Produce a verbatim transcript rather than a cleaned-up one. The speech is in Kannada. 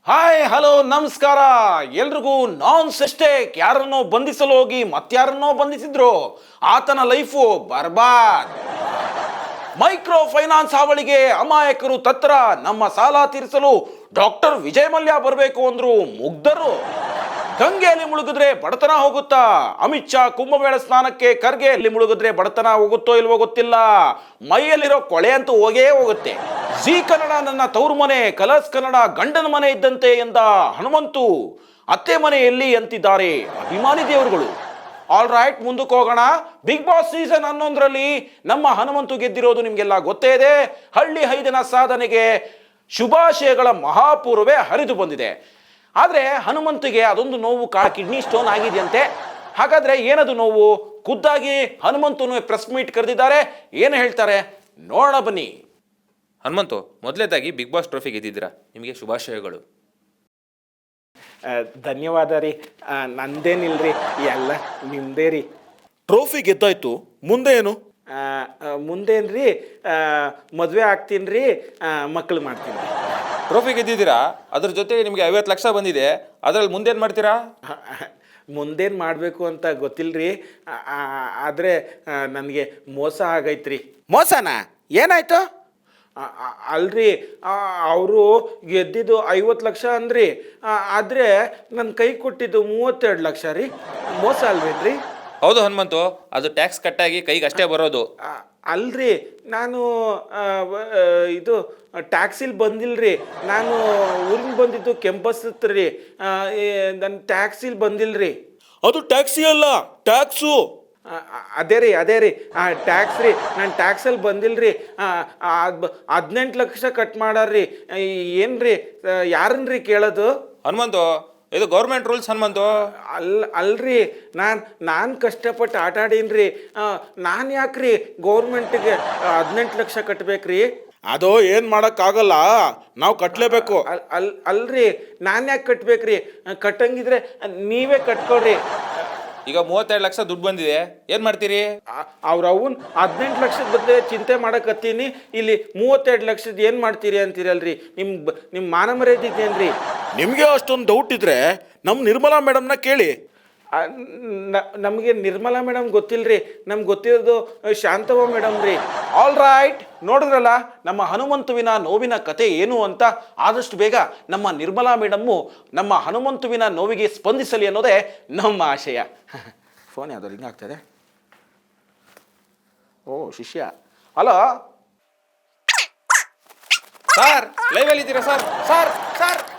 ಹಾಯ್ ಹಲೋ ನಮಸ್ಕಾರ ಎಲ್ರಿಗೂ. ನಾನ್ ಸೆಸ್ಟೇಕ್ ಯಾರನ್ನೋ ಬಂಧಿಸಲು ಹೋಗಿ ಮತ್ತಾರನ್ನೋ ಬಂಧಿಸಿದ್ರು, ಆತನ ಲೈಫು ಬರ್ಬಾದ್. ಮೈಕ್ರೋ ಫೈನಾನ್ಸ್ ಹಾವಳಿಗೆ ಅಮಾಯಕರು ತತ್ರ, ನಮ್ಮ ಸಾಲ ತೀರಿಸಲು ಡಾಕ್ಟರ್ ವಿಜಯ್ ಮಲ್ಯ ಬರಬೇಕು ಅಂದ್ರು ಮುಗ್ಧರು. ಗಂಗೆಯಲ್ಲಿ ಮುಳುಗಿದ್ರೆ ಬಡತನ ಹೋಗುತ್ತಾ? ಅಮಿತ್ ಶಾ ಕುಂಭಮೇಳ ಸ್ನಾನಕ್ಕೆ ಖರ್ಗೆಯಲ್ಲಿ ಮುಳುಗಿದ್ರೆ ಬಡತನ ಹೋಗುತ್ತೋ ಇಲ್ವೋ ಗೊತ್ತಿಲ್ಲ, ಮೈಯಲ್ಲಿರೋ ಕೊಳೆ ಅಂತೂ ಹೋಗೇ ಹೋಗುತ್ತೆ. ಜಿ ಕನ್ನಡ ನನ್ನ ತವರು ಮನೆ, ಕಲರ್ಸ್ ಕನ್ನಡ ಗಂಡನ ಮನೆ ಇದ್ದಂತೆ ಎಂದ ಹನುಮಂತು ಅತ್ತೆ ಮನೆಯಲ್ಲಿ ಅಂತಿದ್ದಾರೆ ಅಭಿಮಾನಿ ದೇವರುಗಳು. ಆಲ್ ರೈಟ್, ಮುಂದಕ್ಕೆ ಹೋಗೋಣ. ಬಿಗ್ ಬಾಸ್ ಸೀಸನ್ ಹನ್ನೊಂದರಲ್ಲಿ ನಮ್ಮ ಹನುಮಂತು ಗೆದ್ದಿರೋದು ನಿಮಗೆಲ್ಲ ಗೊತ್ತೇ ಇದೆ. ಹಳ್ಳಿ ಹೈದನ ಸಾಧನೆಗೆ ಶುಭಾಶಯಗಳ ಮಹಾಪೂರ್ವೇ ಹರಿದು ಬಂದಿದೆ. ಆದರೆ ಹನುಮಂತಿಗೆ ಅದೊಂದು ನೋವು, ಕಾ ಕಿಡ್ನಿ ಸ್ಟೋನ್ ಆಗಿದೆಯಂತೆ. ಹಾಗಾದ್ರೆ ಏನದು ನೋವು? ಖುದ್ದಾಗಿ ಹನುಮಂತನು ಪ್ರೆಸ್ ಮೀಟ್ ಕರೆದಿದ್ದಾರೆ, ಏನು ಹೇಳ್ತಾರೆ ನೋಡೋಣ ಬನ್ನಿ. ಹನುಮಂತು, ಮೊದಲೇದಾಗಿ ಬಿಗ್ ಬಾಸ್ ಟ್ರೋಫಿ ಗೆದ್ದಿದ್ದೀರಾ, ನಿಮಗೆ ಶುಭಾಶಯಗಳು. ಧನ್ಯವಾದ ರೀ. ನಂದೇನಿಲ್ರಿ, ಎಲ್ಲ ನಿಮ್ದೇ ರೀ. ಟ್ರೋಫಿ ಗೆದ್ದಾಯ್ತು, ಮುಂದೆ ಏನು? ಮುಂದೇನ್ರಿ, ಮದುವೆ ಆಗ್ತೀನಿ ರೀ, ಮಕ್ಕಳು ಮಾಡ್ತೀನಿ ರೀ. ಟ್ರೋಫಿ ಗೆದ್ದಿದ್ದೀರಾ, ಅದ್ರ ಜೊತೆಗೆ ನಿಮಗೆ ಐವತ್ತು ಲಕ್ಷ ಬಂದಿದೆ, ಅದರಲ್ಲಿ ಮುಂದೇನು ಮಾಡ್ತೀರಾ? ಮುಂದೇನು ಮಾಡಬೇಕು ಅಂತ ಗೊತ್ತಿಲ್ಲರಿ, ಆದರೆ ನನಗೆ ಮೋಸ ಆಗೈತ್ರಿ. ಮೋಸನಾ? ಏನಾಯ್ತು? ಅಲ್ರಿ, ಅವರು ಗೆದ್ದಿದ್ದು ಐವತ್ತು ಲಕ್ಷ ಅಂದ್ರಿ, ಆದರೆ ನನ್ನ ಕೈ ಕೊಟ್ಟಿದ್ದು ಮೂವತ್ತೆರಡು ಲಕ್ಷ ರೀ. ಮೋಸ ಅಲ್ವೇನ್ರಿ? ಹೌದು ಹನುಮಂತು, ಅದು ಟ್ಯಾಕ್ಸ್ ಕಟ್ಟಾಗಿ ಕೈಗೆ ಅಷ್ಟೇ ಬರೋದು. ಅಲ್ರಿ, ನಾನು ಇದು ಟ್ಯಾಕ್ಸಿಲಿ ಬಂದಿಲ್ರಿ, ನಾನು ಊರಿಗೆ ಬಂದಿದ್ದು ಕೆಂಪಸ್ ರೀ, ನನ್ನ ಟ್ಯಾಕ್ಸಿಲಿ ಬಂದಿಲ್ರಿ. ಅದು ಟ್ಯಾಕ್ಸಿ ಅಲ್ಲ, ಟ್ಯಾಕ್ಸು. ಅದೇ ರೀ ಅದೇ ರೀ ಟ್ಯಾಕ್ಸ್ ರೀ, ನಾನು ಟ್ಯಾಕ್ಸಲ್ಲಿ ಬಂದಿಲ್ರಿ. ಹದಿನೆಂಟು ಲಕ್ಷ ಕಟ್ ಮಾಡಾರ್ರಿ. ಏನ್ರಿ, ಯಾರನ್ರಿ ಕೇಳೋದು? ಹನುಮಂತು, ಇದು ಗೌರ್ಮೆಂಟ್ ರೂಲ್ಸ್ ಹನುಮಂತು. ಅಲ್ ಅಲ್ರಿ, ನಾನು ನಾನು ಕಷ್ಟಪಟ್ಟು ಆಟ ಆಡೀನ್ರಿ, ನಾನು ಯಾಕ್ರಿ ಗೌರ್ಮೆಂಟಿಗೆ ಹದಿನೆಂಟು ಲಕ್ಷ ಕಟ್ಬೇಕ್ರಿ? ಅದು ಏನು ಮಾಡೋಕ್ಕಾಗಲ್ಲ, ನಾವು ಕಟ್ಟಲೇಬೇಕು. ಅಲ್ ಅಲ್ ಅಲ್ರಿ, ನಾನು ಯಾಕೆ ಕಟ್ಬೇಕ್ರಿ? ಕಟ್ಟಂಗಿದ್ರೆ ನೀವೇ ಕಟ್ಕೊಳ್ರಿ. ಈಗ ಮೂವತ್ತೆರಡು ಲಕ್ಷ ದುಡ್ಡು ಬಂದಿದೆ, ಏನು ಮಾಡ್ತೀರಿ? ಅವ್ರ ಅವನ್ ಹದಿನೆಂಟು ಲಕ್ಷದ ಬದಲೇ ಚಿಂತೆ ಮಾಡಕತ್ತೀನಿ, ಇಲ್ಲಿ ಮೂವತ್ತೆರಡು ಲಕ್ಷದ ಏನು ಮಾಡ್ತೀರಿ ಅಂತೀರಲ್ರಿ? ನಿಮ್ಮ ನಿಮ್ಮ ಮಾನ ಮರ್ಯಾದೆ ಇದೆಯೇನ್ರಿ? ನಿಮಗೆ ಅಷ್ಟೊಂದು ಡೌಟ್ ಇದ್ರೆ ನಮ್ಮ ನಿರ್ಮಲಾ ಮೇಡಮ್ನ ಕೇಳಿ. ನಮಗೆ ನಿರ್ಮಲಾ ಮೇಡಮ್ ಗೊತ್ತಿಲ್ರಿ, ನಮ್ಗೆ ಗೊತ್ತಿರೋದು ಶಾಂತವ್ವ ಮೇಡಮ್ ರೀ. ಆಲ್ ರೈಟ್, ನೋಡಿದ್ರಲ್ಲ ನಮ್ಮ ಹನುಮಂತುವಿನ ನೋವಿನ ಕತೆ ಏನು ಅಂತ. ಆದಷ್ಟು ಬೇಗ ನಮ್ಮ ನಿರ್ಮಲಾ ಮೇಡಮ್ಮು ನಮ್ಮ ಹನುಮಂತುವಿನ ನೋವಿಗೆ ಸ್ಪಂದಿಸಲಿ ಅನ್ನೋದೇ ನಮ್ಮ ಆಶಯ. ಫೋನ್ ಯಾವ್ದು ರಿಂಗ್ ಆಗ್ತದೆ? ಓ ಶಿಷ್ಯ. ಹಲೋ ಸರ್, ಲೈವ್ ಅಲ್ಲಿ ಇದ್ದೀರಾ ಸರ್? Sir sir